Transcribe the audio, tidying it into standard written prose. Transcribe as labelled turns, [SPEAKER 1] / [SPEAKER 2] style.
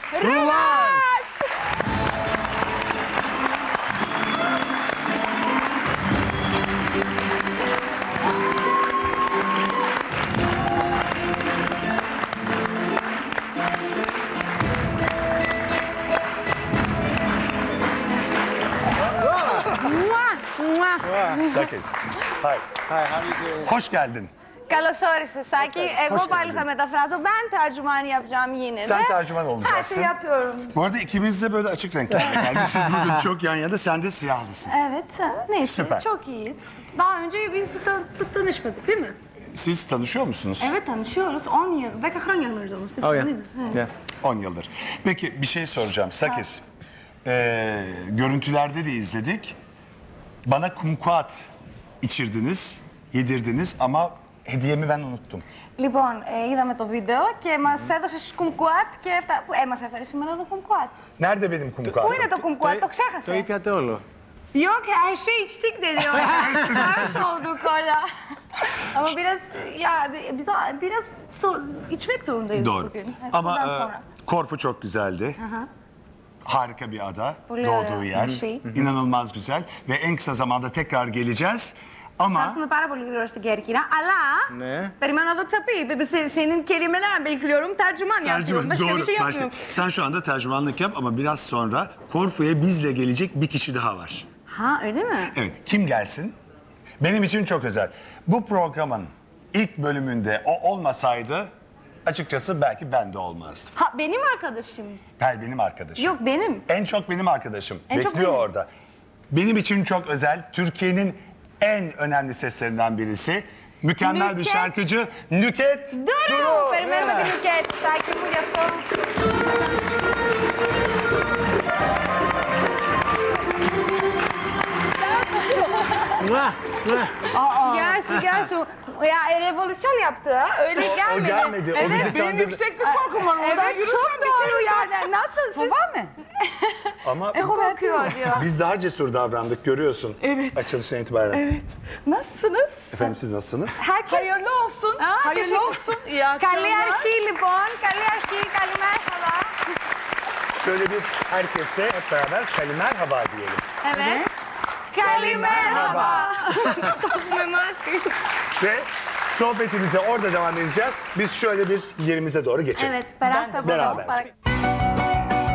[SPEAKER 1] Rıvaş.
[SPEAKER 2] Sakız. Hi.
[SPEAKER 3] Hi, how do you do?
[SPEAKER 2] Hoş geldin.
[SPEAKER 1] Καλώς όρισες, Σάκη. Εγώ
[SPEAKER 2] Hoş
[SPEAKER 1] πάλι
[SPEAKER 2] geldin.
[SPEAKER 1] θα μεταφράζω. Ben tercümanı yapacağım yine de.
[SPEAKER 2] Sen tercüman
[SPEAKER 1] Her
[SPEAKER 2] olacaksın.
[SPEAKER 1] şeyi yapıyorum.
[SPEAKER 2] Bu arada ikimiz de böyle açık renklerle gelmişiz. Bugün çok yan yana, sen de siyahlısın.
[SPEAKER 1] Evet, neyse
[SPEAKER 2] Süper.
[SPEAKER 1] çok iyiyiz. Daha önce biz tanışmadık değil mi?
[SPEAKER 2] Siz tanışıyor musunuz?
[SPEAKER 1] Evet tanışıyoruz. 10 yıl, 10 χρόνια γνωριζόμαστε.
[SPEAKER 3] Oh yeah.
[SPEAKER 1] Değil mi? Evet.
[SPEAKER 3] Yeah.
[SPEAKER 2] 10 yıldır. Peki bir şey soracağım. Sakız. Görüntülerde de izledik. Bana kumkuat içirdiniz, yedirdiniz ama hediyemi ben unuttum.
[SPEAKER 1] Λοιπόν, είδαμε το βίντεο και μας έδωσε κουμκουάτ και μας έφερε σήμερα το κουμκουάτ.
[SPEAKER 2] Nerede benim kumkuatım?
[SPEAKER 1] Πού είναι το κουμκουάτ, το
[SPEAKER 3] Το
[SPEAKER 1] ξέχασε.
[SPEAKER 3] ήπιατε όλο.
[SPEAKER 1] Yok her şey içtik dedi o. Sarhoş olduk hala. Ama biraz ya biz biraz içmek zorundayız
[SPEAKER 2] Doğru.
[SPEAKER 1] bugün. Evet,
[SPEAKER 2] Ama
[SPEAKER 1] bundan sonra.
[SPEAKER 2] Korfu çok güzeldi. Harika bir ada,
[SPEAKER 1] Πολύ
[SPEAKER 2] doğduğu
[SPEAKER 1] ωραία.
[SPEAKER 2] yer.
[SPEAKER 1] Şey.
[SPEAKER 2] İnanılmaz güzel ve en kısa zamanda tekrar geleceğiz. Ama
[SPEAKER 1] Έρθουμε πάρα πολύ γρήγορα στην Κέρκυρα, αλλά
[SPEAKER 3] Ναι.
[SPEAKER 1] περιμένω να δω τι θα πει. Senin kelimeler bekliyorum, tercüman yapıyorum. Başka bir şey
[SPEAKER 2] başka.
[SPEAKER 1] yapmıyorum.
[SPEAKER 2] Sen şu anda tercümanlık yap ama biraz sonra Korfu'ya bizle gelecek bir kişi daha var.
[SPEAKER 1] Ha öyle mi?
[SPEAKER 2] Evet, kim gelsin? Benim için çok özel. Bu programın ilk bölümünde o olmasaydı açıkçası belki ben de olmazdım.
[SPEAKER 1] Ha benim arkadaşım.
[SPEAKER 2] Benim arkadaşım.
[SPEAKER 1] Yok benim.
[SPEAKER 2] En çok benim arkadaşım.
[SPEAKER 1] En çok
[SPEAKER 2] Bekliyor
[SPEAKER 1] benim.
[SPEAKER 2] orada. Benim için çok özel. Türkiye'nin en önemli seslerinden birisi. Mükemmel bir
[SPEAKER 1] Nüket.
[SPEAKER 2] şarkıcı Nüket
[SPEAKER 1] Duru! Περιμένουμε την Νουκέτ, Σάκη μου, γι' αυτό.
[SPEAKER 3] Μουά, μουά.
[SPEAKER 1] Gel şu, gel şu. Ya revolüsyon yaptı ha, öyle gelmedi.
[SPEAKER 2] O gelmedi. O bizi
[SPEAKER 4] Benim
[SPEAKER 2] kandırdı.
[SPEAKER 4] yükseklik korkum var. Oradan
[SPEAKER 1] Evet
[SPEAKER 4] yürürsem
[SPEAKER 1] çok doğru yani. Nasıl siz?
[SPEAKER 4] var mı?
[SPEAKER 2] Ama
[SPEAKER 1] Korkuyor diyor.
[SPEAKER 2] biz daha cesur davrandık görüyorsun.
[SPEAKER 4] Evet.
[SPEAKER 2] Açılıştan itibaren.
[SPEAKER 4] Evet. Nasılsınız?
[SPEAKER 2] Efendim siz nasılsınız?
[SPEAKER 1] Herkes...
[SPEAKER 4] Hayırlı olsun.
[SPEAKER 1] Aa,
[SPEAKER 4] Hayırlı
[SPEAKER 1] teşekkür-
[SPEAKER 4] olsun. İyi akşamlar.
[SPEAKER 1] Καλή αρχή λοιπόν, καλή αρχή, καλή merhaba.
[SPEAKER 2] Şöyle bir herkese hep beraber kalimerhaba diyelim.
[SPEAKER 1] Evet. Καλή merhaba. Memati.
[SPEAKER 2] Ve sohbetimize orada devam edeceğiz. Biz şöyle bir yerimize doğru geçelim.
[SPEAKER 1] Evet, περάστε από εδώ.
[SPEAKER 2] Μπεράβερ.
[SPEAKER 1] παρακαλώ.